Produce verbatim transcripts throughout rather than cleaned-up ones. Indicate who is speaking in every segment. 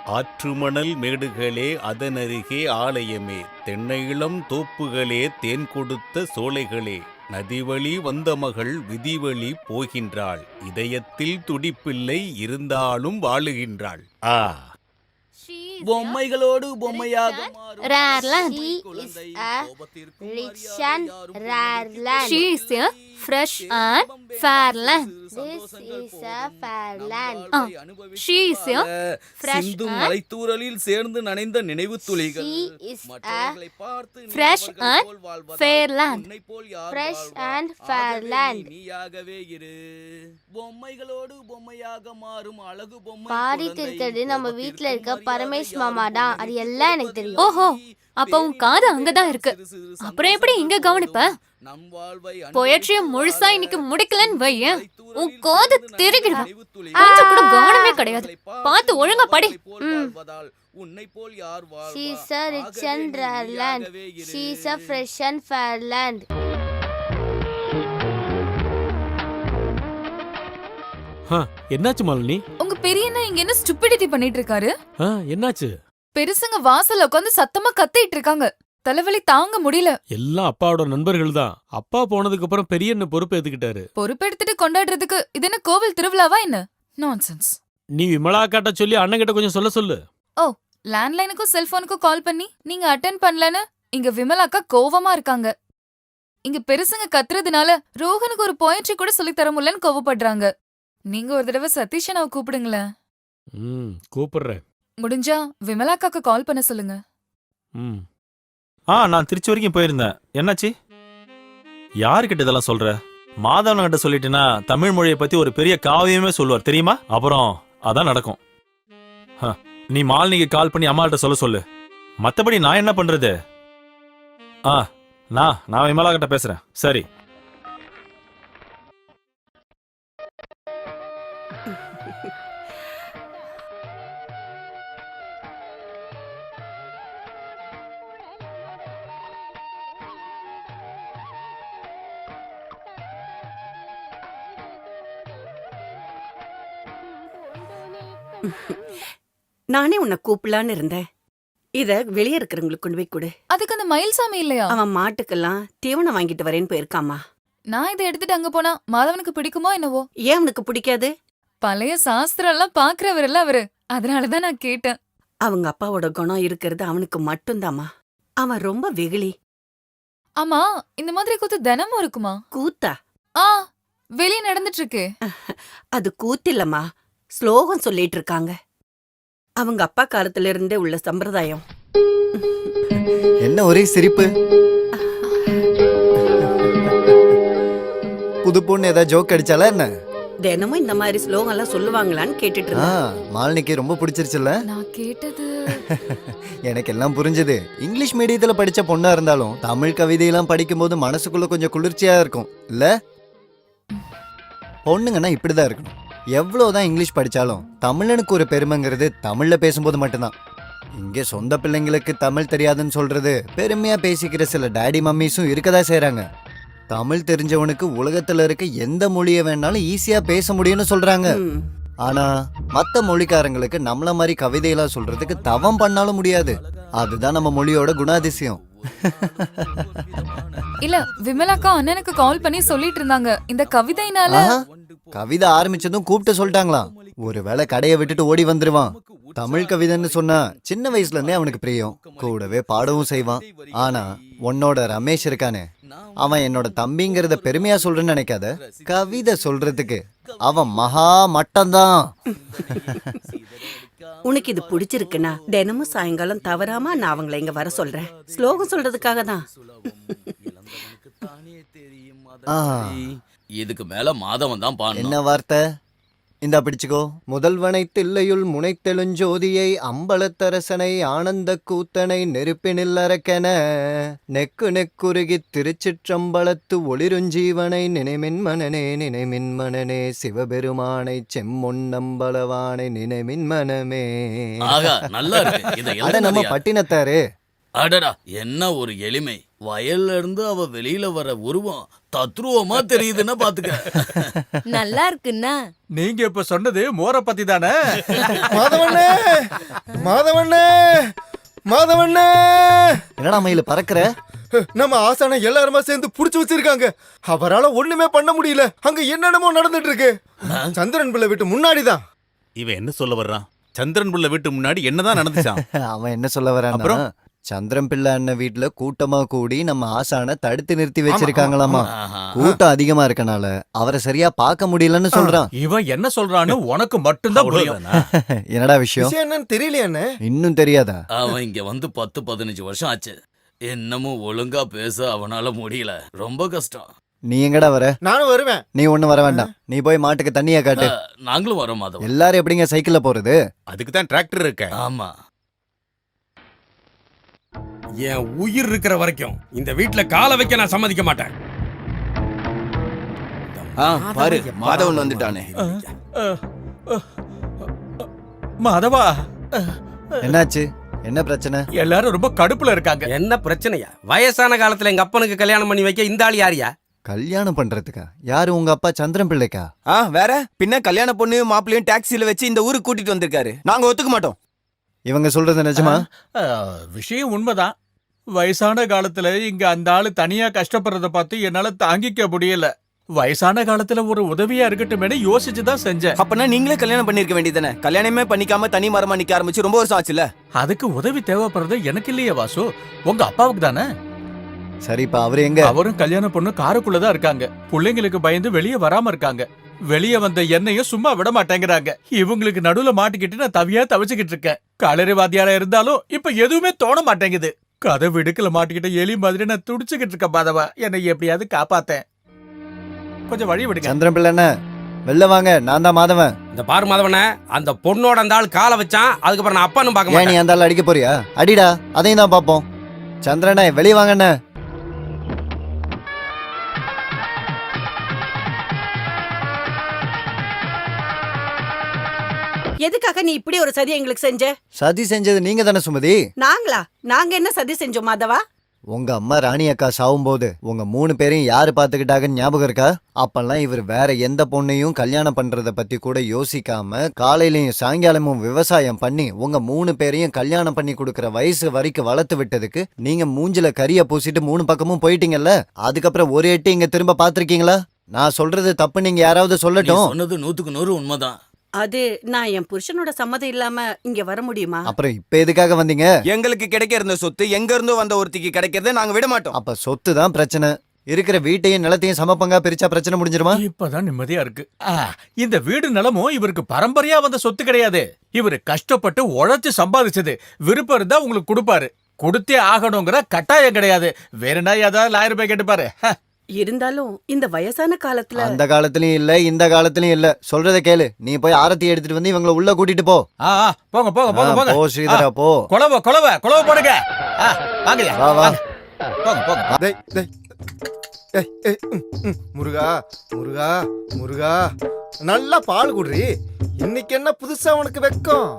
Speaker 1: ஆற்றுமணல் மேடுகளே அதனருகே ஆலயமே, தென்னையிளம் தோப்புகளே தேன் கொடுத்த சோலைகளே, நதிவழி வந்த மகள் விதிவழி போகின்றாள், இதயத்தில் துடிப்பில்லை இருந்தாலும் வாழுகின்றாள். ஆ,
Speaker 2: பொம்மைகளோடு பொம்மையாக மாறும்
Speaker 3: Rare land.
Speaker 2: அழகு
Speaker 3: She
Speaker 2: குழந்தை,
Speaker 3: is a
Speaker 2: கோபத்திற்கும்
Speaker 3: rich
Speaker 2: மறியாத
Speaker 3: and
Speaker 2: யாரும்
Speaker 3: rare
Speaker 2: பொருளுக்கு
Speaker 3: land.
Speaker 4: She is a fresh and fair land.
Speaker 3: This is a fair land.
Speaker 4: Ah, she is a fresh
Speaker 2: சிந்தும்
Speaker 4: and
Speaker 2: மலைத்தூறலில் சேர்ந்து நனைந்த நினைவு துளிகள்
Speaker 3: She is a
Speaker 2: மற்றவர்களை பார்த்து நீ
Speaker 4: fresh
Speaker 2: அவர்கள்
Speaker 4: and
Speaker 2: போல் வாழ்வதால்
Speaker 4: fair land.
Speaker 2: உன்னைப் போல் யார்
Speaker 3: Fresh
Speaker 2: வாழ்வார்?
Speaker 3: and fair
Speaker 2: ஆகவே
Speaker 3: land.
Speaker 2: நீ நீயாகவே இரு. பொம்மைகளோடு பொம்மையாக மாறும் அழகு பொம்மை
Speaker 3: பாடிட்டு
Speaker 2: குழந்தை,
Speaker 3: இருக்கிறது நம்ம வீட்ல இருக்க
Speaker 2: கோபத்திற்கும்
Speaker 3: பரமேஷ்
Speaker 2: மரியாதை
Speaker 3: மாமா தான்.
Speaker 2: யாரும்
Speaker 3: அது எல்லாம் எனக்கு தெரியும்.
Speaker 4: ஓஹோ, அப்ப உன் காது அங்கதான் இருக்கு. அப்புறம் எப்படி இங்க கவனிப்ப? பொயட்ரிய முழுசா இன்னைக்கு முடிக்கலன்னு வையேன், உன் காது திருகிடுவேன். கொஞ்சம் கூட கவனமே கிடையாது. பார்த்து ஒழுங்கா படி. ம்.
Speaker 3: She is a rich and rare land. She is a fresh and fair land.
Speaker 5: ஆ, என்னாச்சு மாலினி?
Speaker 4: உங்க பெரியண்ணா இங்க என்ன ஸ்டூபிடிட்டி பண்ணிட்டு இருக்காரு?
Speaker 5: ஆ, என்னாச்சு?
Speaker 4: பெருசுங்க வாசல்ல உட்காந்து சத்தமா கத்திட்டு இருக்காங்க. தலைவலி தாங்க முடியல.
Speaker 5: எல்லாம் அப்பாவோட நண்பர்கள் தான். அப்பா போனதுக்கு அப்புறம் பெரிய என்ன பொறுப்பு ஏத்துக்கிட்டாரு.
Speaker 4: பொறுப்பெடுத்துட்டு கொண்டாடுறதுக்கு இது என்ன கோவில் திருவிழாவா என்ன? நான்சென்ஸ்.
Speaker 5: நீ விமலா காட்ட சொல்லி அண்ணன் கிட்ட கொஞ்சம் சொல்ல சொல்லு.
Speaker 4: ஓ, லேண்ட்லைனுக்கும் செல்போனுக்கும் கால் பண்ணி நீங்க அட்டென்ட் பண்ணலன்னு இங்க விமலாக்கா கோவமா இருக்காங்க. இங்க பெருசுங்க கத்துறதுனால ரோஹனுக்கு ஒரு போயட்ரி கூட சொல்லி தர முடியலன்னு கோவப்படுறாங்க. நீங்க ஒரு தடவை சதீஷனாவை கூப்பிடுங்களேன்.
Speaker 5: ம், கூப்பிடுறேன்.
Speaker 4: முடிஞ்சா விமலாக்காக்கு கால் பண்ண சொல்லுங்க.
Speaker 5: ம்.
Speaker 6: ஆ, நான் திருச்சி வரைக்கும் போயிருந்தேன். என்னாச்சு? யாருக்கிட்ட இதெல்லாம் சொல்ற? மாதவன் கிட்ட சொல்லிட்டேன்னா தமிழ் மொழியை பத்தி ஒரு பெரிய காவியமே சொல்லுவார் தெரியுமா? அப்புறம் அதான் நடக்கும். ஹ, நீ மாலினிக்கு கால் பண்ணி அம்மாள்கிட்ட சொல்ல சொல்லு. மத்தபடி நான் என்ன பண்றது? ஆ, நான் நான் விமலா கிட்ட பேசுறேன். சரி.
Speaker 7: நானே உன்னை கூப்பிடலான்னு இருந்தேன். இத வெளியே இருக்கிறவங்களுக்கு கொண்டு போய் கொடு.
Speaker 4: அதுக்கு அந்த மயில்சாமி இல்லையா?
Speaker 7: அவன் மாட்டுக்கெல்லாம் தீவனம் வாங்கிட்டு வரேன்னு போயிருக்காமா.
Speaker 4: நான் இதை எடுத்துட்டு அங்க போனா மாதவனுக்கு பிடிக்குமோ என்னவோ?
Speaker 7: ஏன் அவனுக்கு பிடிக்காது?
Speaker 4: பழைய சாஸ்திரம் எல்லாம் பாக்குறவர்ல அவரு. அதனாலதான் நான் கேட்டேன்.
Speaker 7: அவங்க அப்பாவோட குணம் இருக்கிறது அவனுக்கு மட்டும்தாம்மா. அவன் ரொம்ப வெகுளி.
Speaker 4: ஆமா, இந்த மாதிரி கூத்து தினமும் இருக்குமா?
Speaker 7: கூத்தா?
Speaker 4: ஆ, வெளியே நடந்துட்டு இருக்கு.
Speaker 7: அது கூத்தில்லம்மா, ஸ்லோகம் சொல்லிட்டு இருக்காங்க. அவங்க அப்பா காலத்துல இருந்தே உள்ள சம்பிரதாயம்.
Speaker 8: என்ன ஒரே சிரிப்பு? புது பொண்ணு ஏதாவது ஜோக் அடிச்சாலா என்ன?
Speaker 7: தினமும் இந்த மாதிரி ஸ்லோகம் எல்லாம் சொல்லுவாங்களான்னு கேட்டுட்டு
Speaker 8: ஆ,
Speaker 7: இருந்தேன்.
Speaker 8: மாலினிக்கு ரொம்ப பிடிச்சிருச்சுல்ல?
Speaker 4: நான் கேட்டது
Speaker 8: எனக்கு எல்லாம் புரிஞ்சது. இங்கிலீஷ் மீடியத்துல படிச்ச பொண்ணா இருந்தாலும் தமிழ் கவிதையெல்லாம் படிக்கும்போது மனசுக்குள்ள கொஞ்சம் குளிர்ச்சியா இருக்கும் இல்ல? பொண்ணுங்கன்னா இப்படிதான் இருக்கணும். எவ்வளவுதான் இங்கிலீஷ் படிச்சாலும் தமிழனுக்கு ஒரு பெருமைங்கிறது தமிழ்ல பேசும்போது மட்டும்தான். இங்க சொந்த பிள்ளைங்களுக்கு தமிழ் தெரியாதுன்னு சொல்றது பெருமையா பேசிக்கிற சில டாடி மம்மிஸும் இருக்கதா செய்றாங்க. தமிழ் தெரிஞ்சவனுக்கு உலகத்துல இருக்க எந்த மொழியை வேணாலும் ஈஸியா பேச முடியும்னு சொல்றாங்க.
Speaker 7: ம்.
Speaker 8: ஆனா மத்த மொழிக்காரங்களுக்கு நம்மள மாதிரி கவிதையெல்லாம் சொல்றதுக்கு தவம் பண்ணாலும் முடியாது. அதுதான் நம்ம மொழியோட குணாதிசயம்.
Speaker 4: இல்ல, விமலாக்கா அண்ணனுக்கு கால் பண்ணி சொல்லிட்டு இருந்தாங்க இந்த கவிதைனால.
Speaker 8: ஆஹா, கவிதை ஆரம்பிச்சதும் கூப்பிட்டு சொல்லிட்டாங்களாம். ஒருவேளை கடையை விட்டுட்டு ஓடி வந்துருவான். தமிழ் கவிதைன்னு சொன்னா சின்ன வயசுல இருந்தே அவனுக்கு பிரியம். கூடவே பாடவும் செய்வான். ஆனா உன்னோட ரமேஷ் இருக்கானே, அவன் என்னோட தம்பிங்கிறத பெருமையா சொல்றேன்னு நினைக்காத. கவிதை சொல்றதுக்கு அவன் மகா மட்டம்தான்.
Speaker 7: உனக்கு இது பிடிச்சிருக்குன்னா தினமும் சாயங்காலம் தவறாம நான் அவங்கள இங்க வர சொல்றேன். ஸ்லோகம் சொல்றதுக்காக தான்.
Speaker 8: ஆ,
Speaker 2: இதுக்கு மேல மாதவன் தான் பாடணும்.
Speaker 8: என்ன வார்த்தை? இந்தா பிடிச்சுக்கோ. முதல்வனை தில்லையுள் முனைத்தெழுஞ்சோதியை அம்பலத்தரசனை ஆனந்த கூத்தனை நெருப்பினில் அரக்கென நெக்கு நெக்குருகி திருச்சிற்றம்பலத்து ஒளிருஞ்சீவனை நினைமின் மனனே நினைமின் மனனே சிவபெருமானை செம்மொன்னம்பலவானை நினைமின் மனமே.
Speaker 2: ஆகா, நல்லா இருக்கு. இதை
Speaker 8: அட நம்ம
Speaker 2: எழுதுனது யார்?
Speaker 8: பட்டினத்தாரு
Speaker 2: அடடா என்ன ஒரு எளிமை. வயல்ல இருந்து அவ வெளியில வர உருவம் தத்ரூவமா தெரியுதுன்னா பாத்துக்க.
Speaker 9: நல்லா இருக்குன்னா
Speaker 10: நீங்க இப்ப சொன்னது மோர பத்தி தானே?
Speaker 11: மாதவண்ணே, மாதவண்ணே, மாதவண்ணே,
Speaker 8: என்னடா மயில பறக்கிற?
Speaker 11: நம்ம ஆசான எல்லாருமா சேர்ந்து புடிச்சு வச்சிருக்காங்க. அவரால ஒண்ணுமே பண்ண முடியல. அங்க என்னென்னமோ நடந்துட்டு இருக்கு. சந்திரன் பிள்ளை வீட்டு முன்னாடிதான்.
Speaker 1: இவன் என்ன சொல்ல வர்றான்? சந்திரன் புள்ள வீட்டு முன்னாடி என்னதான் நடந்துச்சான்?
Speaker 8: அவன் என்ன சொல்ல வரான்னா,
Speaker 1: அப்புறம்?
Speaker 8: சந்திரன் பிள்ளை அண்ணன் வீட்டுல கூட்டமா கூடி நம்ம ஆசான தடுத்து நிறுத்தி வச்சிருக்காங்களாமா.
Speaker 2: ஆஹா.
Speaker 8: கூட்டம் அதிகமா இருக்கனால அவரை சரியா பார்க்க முடியலன்னு சொல்றான்.
Speaker 10: இவன் என்ன சொல்றான்னு உனக்கு மட்டும்தான் புரியும்.
Speaker 1: அவ்வளவுதானா?
Speaker 8: என்னடா விஷயம்?
Speaker 11: விஷயம் என்னன்னு தெரியலையாண்ணே.
Speaker 8: இன்னும் தெரியாதா?
Speaker 2: அவன் இங்க வந்து பத்து பதினஞ்சு வருஷம் ஆச்சு. என்னமும் ஒழுங்கா பேச அவனால முடியல. ரொம்ப கஷ்டம்.
Speaker 8: நீ எங்கடா வர?
Speaker 11: நானும் வருவேன்.
Speaker 8: நீ ஒண்ணு வர வேண்டாம். நீ போய் மாட்டுக்கு தண்ணியா காட்டு.
Speaker 2: அஹ், நாங்களும் வரோம் மாதவன்.
Speaker 8: எல்லாரும் எப்படிங்க சைக்கிள்ல போறது?
Speaker 1: அதுக்கு தான் டிராக்டர் இருக்க.
Speaker 2: ஆமா.
Speaker 12: என் உயிர் இருக்கிற வரைக்கும் இந்த வீட்ல காலை வைக்க நான் சம்மதிக்க மாட்டேன்.
Speaker 2: பாரு மாதவன் வந்துட்டானே.
Speaker 10: மாதவா,
Speaker 8: என்னாச்சு? என்ன பிரச்சனை?
Speaker 10: எல்லாரும் ரொம்ப கடுப்புல இருக்காங்க.
Speaker 12: என்ன பிரச்சனையா? வயசான காலத்துல எங்க அப்பனுக்கு கல்யாணம் பண்ணி வைக்க இந்த ஆள் யாரியா?
Speaker 8: கல்யாணம் பண்றதுக்கா? யாரு, உங்க அப்பா சந்திரன் பிள்ளைக்கா?
Speaker 13: ஆ வேற பின்ன கல்யாண பொண்ணையும் மாப்பிள்ளையும் டாக்ஸில வச்சு இந்த ஊருக்கு கூட்டிட்டு வந்திருக்காரு. நாங்க ஒத்துக்க மாட்டோம்.
Speaker 8: இவங்க சொல்றது நிஜமா?
Speaker 10: ஆ, விஷயம் உண்மைதான். வயசான காலத்துல இங்க அந்த ஆளு தனியா கஷ்டப்படுறத பார்த்து என்னால தாங்கிக்க முடியல. வயசான காலத்துல ஒரு உதவியா இருக்கட்டுமே யோசிச்சுதான் செஞ்சேன்.
Speaker 13: அப்பனா நீங்களே கல்யாணம் பண்ணிருக்க வேண்டியதானே? கல்யாணமே பண்ணிக்காம தனி மரமா நிக்க ஆரம்பிச்சு ரொம்ப வருஷம் ஆச்சுல.
Speaker 10: அதுக்கு உதவி தேவைப்படுறது எனக்கு இல்லையே வாசு, உங்க அப்பாவுக்கு தானே.
Speaker 8: சரி, இப்ப அவரு எங்க?
Speaker 10: அவரும் கல்யாணம் பொண்ணு காருக்குள்ளதான் இருக்காங்க. பிள்ளைங்களுக்கு பயந்து வெளியே வராம இருக்காங்க. வெளியே வந்த என்னையும் சும்மா விட மாட்டேங்கிறாங்க. இவங்களுக்கு நடுவுல மாட்டிக்கிட்டு நான் தவியா தவிச்சுக்கிட்டு இருக்கேன். களரிவாதியாரா இருந்தாலும் இப்ப எதுவுமே தோண மாட்டேங்குது. கதை விடுக்கல மாட்டிக்கிட்ட எலி மாதிரி நான் துடிச்சுக்கிட்டு இருக்க பாதவா. என்னை எப்படியாவது காப்பாத்தேன். கொஞ்சம் வழி விடுங்க.
Speaker 8: சந்திரன் பிள்ளை என்ன? வெளில வாங்க, நான் தான் மாதவன்.
Speaker 12: இந்த பாரு மாதவனே, அந்த பொண்ணோட அந்த ஆள் காலை வச்சான். அதுக்கப்புறம் நான் அப்பான்னு பார்க்க
Speaker 8: ஏன் நீ
Speaker 12: மாட்டேன்.
Speaker 8: அந்த ஆள் அடிக்க போறியா? அடிடா, அதையும் தான் பாப்போம். சந்திரனே வெளிய வாங்கண்ணே.
Speaker 7: எதுக்காக நீ இப்படி ஒரு சதி எங்களுக்கு செஞ்ச?
Speaker 8: சதி செஞ்சது நீங்க தானே சுமதி?
Speaker 7: நாங்களா? நாங்க என்ன சதி செஞ்சோம் மாதவா?
Speaker 8: உங்க அம்மா ராணி அக்கா சாவும்போது உங்க மூணு பேரையும் யாரு பாத்துக்கிட்டாங்கன்னு ஞாபகம் இருக்கா? அப்பெல்லாம் இவர் வேற எந்த பொண்ணையும் கல்யாணம் பண்றத பத்தி கூட யோசிக்காம காலையிலயும் சாயங்காலமும் விவசாயம் பண்ணி உங்க மூணு பேரையும் கல்யாணம் பண்ணி கொடுக்கற வயசு வரைக்கும் வளர்த்து விட்டதுக்கு நீங்க மூஞ்சில கரிய பூசிட்டு மூணு பக்கமும் போயிட்டீங்கல்ல. அதுக்கப்புறம் ஒரு எட்டு இங்க திரும்ப பாத்திருக்கீங்களா? நான் சொல்றது தப்பு, நீங்க யாராவது
Speaker 2: நீ
Speaker 8: சொல்லட்டும்.
Speaker 2: சொன்னது நூத்துக்கு நூறு உண்மைதான்.
Speaker 7: அது நான் என் புருஷனோட சம்மதம் இல்லாம இங்க வர முடியுமா?
Speaker 8: அப்புறம் இப்ப எதுக்காக வந்தீங்க?
Speaker 13: எங்களுக்கு கிடைக்க இருந்த சொத்து எங்க இருந்தோ வந்த ஒருத்திக்கு கிடைக்கிறத நாங்க விட மாட்டோம்.
Speaker 8: அப்ப சொத்து தான் பிரச்சனை. இருக்கிற வீட்டையும் நிலத்தையும் சமப்பங்கா பிரிச்சா பிரச்சனை முடிஞ்சிருமா?
Speaker 10: இப்பதான் நிம்மதியா இருக்கு. ஆ, இந்த வீடு நிலமும் இவருக்கு பரம்பரையா வந்த சொத்து கிடையாது. இவரு கஷ்டப்பட்டு உழைச்சு சம்பாதிச்சது. விருப்பம் இருந்தா உங்களுக்கு கொடுப்பாரு. கொடுத்தே ஆகணுங்கிற கட்டாயம் கிடையாது. வேற என்ன ஏதாவது லாயிரம் ரூபாய் கேட்டுப்பாரு. ஹ.
Speaker 7: இருந்தாலும் இந்த வயசான காலத்துல
Speaker 8: அந்த காலத்துலயும் இல்ல, இந்த காலத்துலயும் இல்ல. சொல்றத கேளு. நீ போய் ஆரத்தி எடுத்துட்டு வந்து இவங்கள உள்ள கூட்டிட்டு போ.
Speaker 10: ஆ, ஆ, போங்க போங்க போங்க
Speaker 8: ஆ,
Speaker 10: போங்க.
Speaker 8: போ ஸ்ரீதரா, போ.
Speaker 10: குழவ குழவ குழவ போடுங்க. ஆ, வாங்கய்யா,
Speaker 8: வா, வா.
Speaker 10: வாங்க. போங்க போங்க.
Speaker 11: டேய், டேய். ஏய், ஏய், ம், ம். முருகா, முருகா, முருகா, நல்லா பால் குடுறி. இன்னைக்கு என்ன புதுசா உனக்கு வெக்கம்?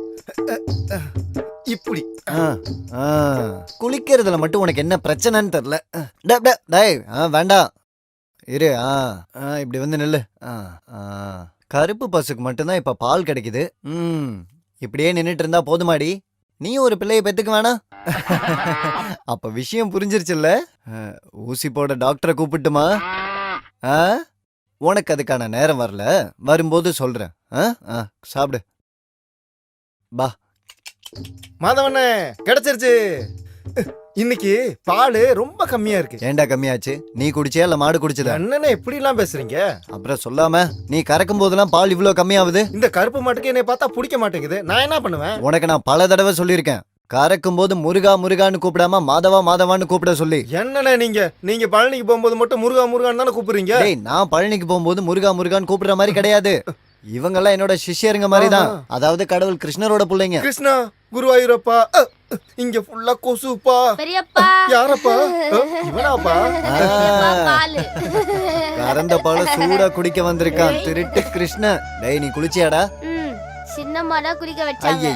Speaker 11: இப்படி
Speaker 8: ஆ, ஆ. குளிக்கிறதுல மட்டும் உனக்கு என்ன பிரச்சனைன்னு தெரியல. டே, டே, டேய், ஆ, வேண்டாம் இரு. ஆ, ஆ, இப்படி வந்து நில்லு. ஆ, ஆ. கருப்பு பசுக்கு மட்டும்தான் இப்ப பால் கிடைக்குது. ம், இப்படியே நின்னுட்டு இருந்தா போதுமாடி? நீ ஒரு பிள்ளைய பெத்துக்க வேணாம்? அப்ப விஷயம் புரிஞ்சிருச்சுல்ல? ஆ, ஊசி போட டாக்டரை கூப்பிட்டுமா? ஆ, உனக்கு அதுக்கான நேரம் வரல. வரும்போது சொல்றேன். ஆ, ஆ, சாப்பிடு. பா.
Speaker 11: மாதவண்ணே கிடைச்சிருச்சு. இன்னைக்கு பால் ரொம்ப கம்மியா இருக்கு.
Speaker 8: ஏண்டா கம்மியாச்சு? நீ குடிச்சியா இல்ல மாடு குடிச்சதா?
Speaker 11: என்னண்ணே இப்படி எல்லாம் பேசுறீங்க?
Speaker 8: அப்புறம் சொல்லாம நீ கறக்கும் போதெல்லாம் பால் இவ்ளோ கம்மியாகுது?
Speaker 11: இந்த கருப்பு மாட்டுக்கு என்னை பார்த்தா பிடிக்க மாட்டேங்குது. நான் என்ன பண்ணுவேன்?
Speaker 8: உனக்கு நான் பல தடவை சொல்லியிருக்கேன். கறக்கும் போது முருகா முருகான்னு கூப்பிடாம மாதவா மாதவான்னு கூப்பிட சொல்லி.
Speaker 11: என்னண்ணே நீங்க நீங்க பழனிக்கு போகும்போது மட்டும் முருகா முருகான்னு தானே கூப்பிடுறீங்க?
Speaker 8: டேய், நான் பழனிக்கு போகும்போது முருகா முருகான்னு கூப்பிடுற மாதிரி கிடையாது. இவங்கெல்லாம் என்னோட சிஷ்யருங்க மாதிரி தான். அதாவது கடவுள் கிருஷ்ணரோட பிள்ளைங்க.
Speaker 11: கிருஷ்ணா, குருவாயூரப்பா, அ, இங்க ஃபுல்லா கொசுப்பா.
Speaker 3: பெரியப்பா.
Speaker 11: யாரப்பா? அ, இவனாப்பா?
Speaker 3: பெரியப்பா, பாலு.
Speaker 8: கறந்த பால சூடா குடிக்க வந்திருக்கான் திருட்டு கிருஷ்ண. டேய், நீ குளிச்சியாடா?
Speaker 3: ம், சின்னம்மா தான் குடிக்க வச்சாங்க.
Speaker 8: ஐயய்ய,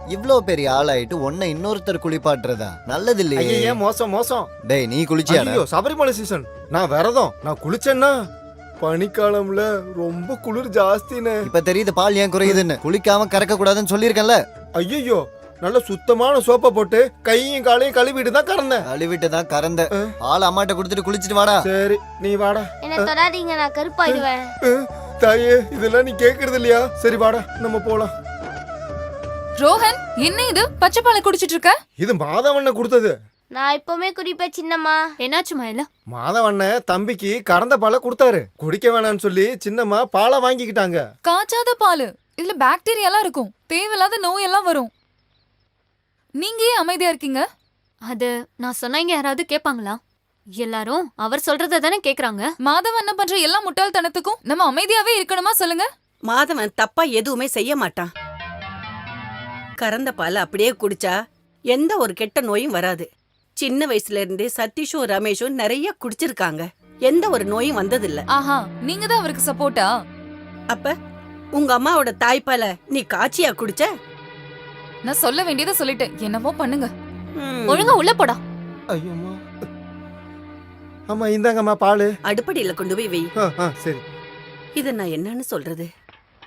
Speaker 8: இவ்ளோ பெரிய ஆளாயிட்டு உன்னை இன்னொருத்தர் குளிப்பாட்டுறதா நல்லது இல்லையே.
Speaker 11: ஐயே மோசம் மோசம்.
Speaker 8: டேய் நீ குளிச்சியாடா?
Speaker 11: ஐயோ சபரிமலை சீசன், நான் விரதம். நான் குளிச்சேன்னா பனிக்காலம்ல ரொம்ப குளிர் ஜாஸ்தினே.
Speaker 8: இப்ப தெரியுது பால் ஏன் குறையுதுன்னு. குளிக்காம கறக்க கூடாதுன்னு சொல்லியிருக்கேன்ல.
Speaker 11: ஐயோ நல்ல சுத்தமான சோப்பை போட்டு கையும் காலையும் கழுவிட்டு தான் கறந்தேன்.
Speaker 8: கழுவிட்டு தான் கறந்த. பால் அம்மாட்ட கொடுத்துட்டு குளிச்சிட்டு வாடா.
Speaker 11: சரி நீ வாடா.
Speaker 3: என்ன தொடாதீங்க, நான் கருப்பாயிடுவேன்.
Speaker 11: தாயே இதெல்லாம் நீ கேக்குறது இல்லையா? சரி வாடா நம்ம போலாம்.
Speaker 4: ரோஹன், என்ன இது பச்சை பாலை குடிச்சிட்டு இருக்க?
Speaker 11: இது மாதவண்ண கொடுத்தது.
Speaker 3: நான் இப்பவுமே குடிப்பேன் சின்னம்மா.
Speaker 4: என்னாச்சுமா இல்ல?
Speaker 11: மாதவண்ண தம்பிக்கு கறந்த பாலை கொடுத்தாரு. குடிக்க வேணாம்னு சொல்லி சின்னம்மா பாலை வாங்கிக்கிட்டாங்க.
Speaker 4: காய்ச்சாத பால், இதுல பாக்டீரியாலாம் இருக்கும், தேவையில்லாத நோய் எல்லாம் வரும். நீங்க ஏன் அமைதியா இருக்கீங்க?
Speaker 9: அது நான் சொன்னா இங்க யாராவது கேட்பாங்களா? எல்லாரும் அவர் சொல்றத தானே கேக்குறாங்க.
Speaker 4: மாதவன் என்ன பண்ற எல்லா முட்டாள்தனத்துக்கும் நம்ம அமைதியாவே இருக்கணுமா சொல்லுங்க?
Speaker 7: மாதவன் தப்பா எதுவுமே செய்ய மாட்டான். கறந்த பால் அப்படியே குடிச்சா எந்த ஒரு கெட்ட நோயும் வராது. சின்ன வயசுல இருந்தே சதீஷும் ரமேஷும் நிறைய குடிச்சிருக்காங்க, எந்த ஒரு நோயும் வந்ததில்ல.
Speaker 4: ஆஹா, நீங்க தான் அவருக்கு சப்போர்ட்டா?
Speaker 7: அப்ப உங்க அம்மாவோட தாய்ப்பால நீ காய்ச்சியா குடிச்ச?
Speaker 4: நான் சொல்ல வேண்டியதை சொல்லிட்டேன், என்னமோ பண்ணுங்க.
Speaker 9: ஒழுங்கா உள்ள போடா.
Speaker 11: ஐயோம்மா. அம்மா இந்தாங்கம்மா பால்.
Speaker 7: அடுப்படியில கொண்டு போய் வை.
Speaker 11: ஆ, ஆ, சரி.
Speaker 7: இத நான் என்னன்னு சொல்றது?